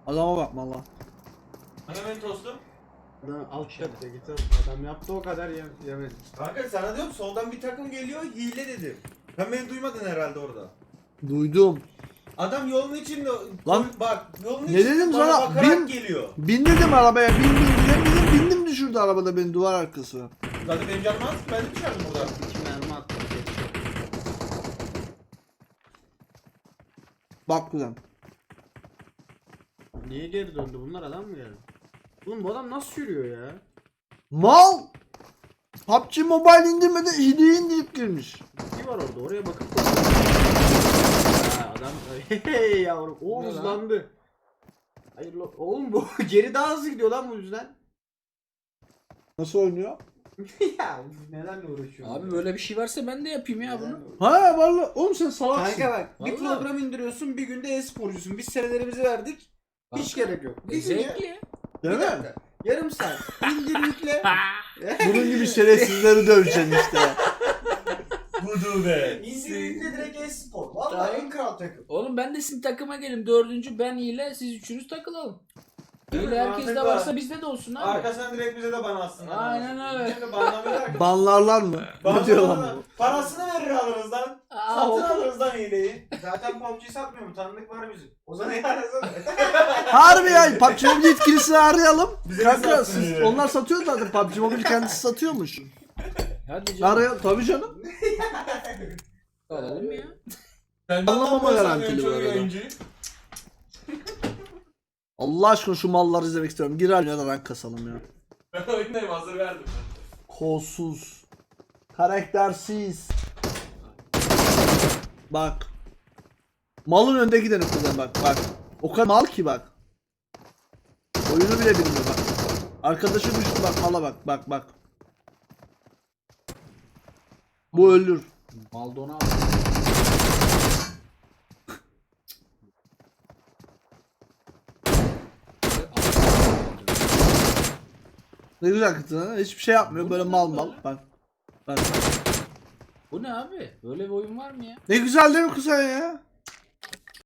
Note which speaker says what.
Speaker 1: Adama bak valla.
Speaker 2: Hemen tostum.
Speaker 3: Adam alt katta git al. Adam yaptı o kadar yemedi.
Speaker 2: Kanka sana diyorum soldan bir takım geliyor hile dedim. Sen beni duymadın herhalde orada.
Speaker 1: Duydum.
Speaker 2: Adam yolun içinde
Speaker 1: Lan,
Speaker 2: bak yolun
Speaker 1: ne
Speaker 2: içinde
Speaker 1: dedim
Speaker 2: bana
Speaker 1: sana?
Speaker 2: bakarak geliyor.
Speaker 1: Bin dedim arabaya, bindim düşürdü arabada beni duvar arkası.
Speaker 2: Zaten benim canım az, ben de düşerdim burada.
Speaker 3: 2 mermi attı.
Speaker 1: Bak kuzen.
Speaker 3: Niye geri döndü bunlar, adam mı geldi? Oğlum bu adam nasıl yürüyor ya?
Speaker 1: Mal! PUBG Mobile indirmeden hediye indirip girmiş.
Speaker 3: Bir var orada, oraya bakıp ha, adam hey yavrum o
Speaker 2: Ne lan?
Speaker 3: hızlandı. Hayır oğlum bu geri daha hızlı gidiyor lan bu yüzden.
Speaker 1: Nasıl oynuyor?
Speaker 3: Ya nelerle uğraşıyorsun?
Speaker 4: Abi böyle bir şey varsa ben de yapayım ya bunu.
Speaker 1: Ha vallahi oğlum sen salaksın.
Speaker 3: Kanka bak bir
Speaker 4: Vallahi.
Speaker 3: program indiriyorsun, bir günde e-sporcusun. Biz senelerimizi verdik. Hiç gerek yok. Bir gün ya.
Speaker 4: Zevkli.
Speaker 1: Değil
Speaker 3: Bir
Speaker 1: mi?
Speaker 3: dakika. Yarım saat. İndir yükle.
Speaker 1: Bunun gibi şerefsizleri döveceksin işte.
Speaker 2: Budu be.
Speaker 3: İndir yükle direkt e-spor. Vallahi en kral takım.
Speaker 4: Oğlum ben de sizin takıma gelin. Dördüncü ben ile siz üçünüz takılalım.
Speaker 2: Değil mi?
Speaker 4: Öyle herkes de
Speaker 2: Mantıklı.
Speaker 4: varsa bizde de olsun abi.
Speaker 2: Arkasından direkt bize de ban atsın.
Speaker 4: Aynen öyle.
Speaker 2: Şimdi banlamıyorlar ki.
Speaker 1: Banlarlar mı? Ne diyor lan
Speaker 2: Banlamıyorlar.
Speaker 1: bu?
Speaker 2: Parasını verir alırız lan.
Speaker 4: Aa,
Speaker 2: Satın
Speaker 4: o-
Speaker 2: alırız lan hileyi.
Speaker 3: Zaten PUBG satmıyor mu? Tanıdık var bizim.
Speaker 2: O zaman yarasın.
Speaker 1: Harbi ya PUBG Mobile yetkilisini arayalım.
Speaker 2: Bize de
Speaker 1: Kanka
Speaker 2: satsın
Speaker 1: siz,
Speaker 2: yani.
Speaker 1: onlar satıyor zaten PUBG Mobile kendisi satıyormuş.
Speaker 4: Hadi canım.
Speaker 1: Araya tabii canım.
Speaker 4: Alalım ya.
Speaker 2: Sen
Speaker 1: Anlamama
Speaker 2: anlamıyorsan
Speaker 1: garantili
Speaker 2: çok
Speaker 1: bu arada.
Speaker 2: yayıncıyı. Allah
Speaker 1: Allah aşkına şu malları izlemek istiyorum. Gir ya da rank kasalım ya.
Speaker 2: Ben oyundayım hazır verdim.
Speaker 1: Kolsuz. Karaktersiz. Bak. Malın önde gideni kuzen bak. O kadar mal ki bak. Oyunu bile bilmiyor bak. Arkadaşı düştü bak mala bak. Bu ölür.
Speaker 4: Maldona
Speaker 1: Ne güzel kızı ha. Hiçbir şey yapmıyor.
Speaker 4: Bu
Speaker 1: Böyle
Speaker 4: ne
Speaker 1: mal
Speaker 4: lan
Speaker 1: mal.
Speaker 4: böyle?
Speaker 1: Bak.
Speaker 4: Bu ne abi? Böyle bir oyun var mı ya?
Speaker 1: Ne güzel değil mi kuzen ya?